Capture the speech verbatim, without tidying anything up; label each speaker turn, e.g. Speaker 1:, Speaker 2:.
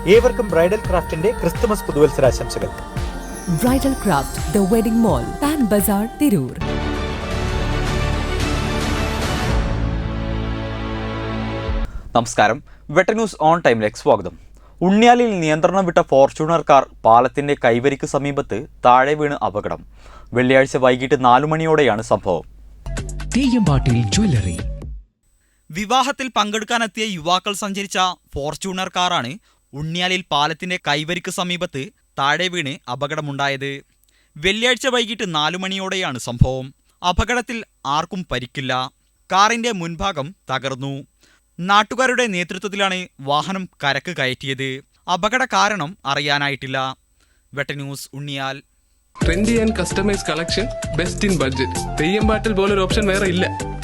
Speaker 1: ഏവർക്കും ബ്രൈഡൽ ക്രാഫ്റ്റിന്റെ ക്രിസ്തുമസ് പുതുവത്സരാശംസകൾ.
Speaker 2: Bridal craft, the wedding mall, Pan Bazar, Tirur.
Speaker 3: നമസ്കാരം. വെട്ട ന്യൂസ് ഓൺ ടൈമിലേക്ക് സ്വാഗതം. ഉണ്ണിയാലിൽ നിയന്ത്രണം വിട്ട ഫോർച്യൂണർ കാർ പാലത്തിന്റെ കൈവരിക്ക് സമീപത്ത് താഴെ വീണ് അപകടം. വെള്ളിയാഴ്ച വൈകിട്ട് നാലു മണിയോടെയാണ് സംഭവം. വിവാഹത്തിൽ പങ്കെടുക്കാനെത്തിയ യുവാക്കൾ സഞ്ചരിച്ച ഫോർച്യൂണർ കാറാണ് ഉണ്ണിയാലിൽ പാലത്തിന്റെ കൈവരിക്ക് സമീപത്ത് താഴെ വീണ് അപകടമുണ്ടായത്. വെള്ളിയാഴ്ച വൈകിട്ട് നാലു മണിയോടെയാണ് സംഭവം. അപകടത്തിൽ ആർക്കും പരിക്കില്ല. കാറിന്റെ മുൻഭാഗം തകർന്നു. നാട്ടുകാരുടെ നേതൃത്വത്തിലാണ് വാഹനം കരക്ക് കയറ്റിയത്. അപകട കാരണം അറിയാനായിട്ടില്ല. Vetta news, Unniyal.
Speaker 4: Trendy and customise collection, best in budget. Theyyam പാട്ടിൽ പോലൊരു ഓപ്ഷൻ വേറെ ഇല്ല.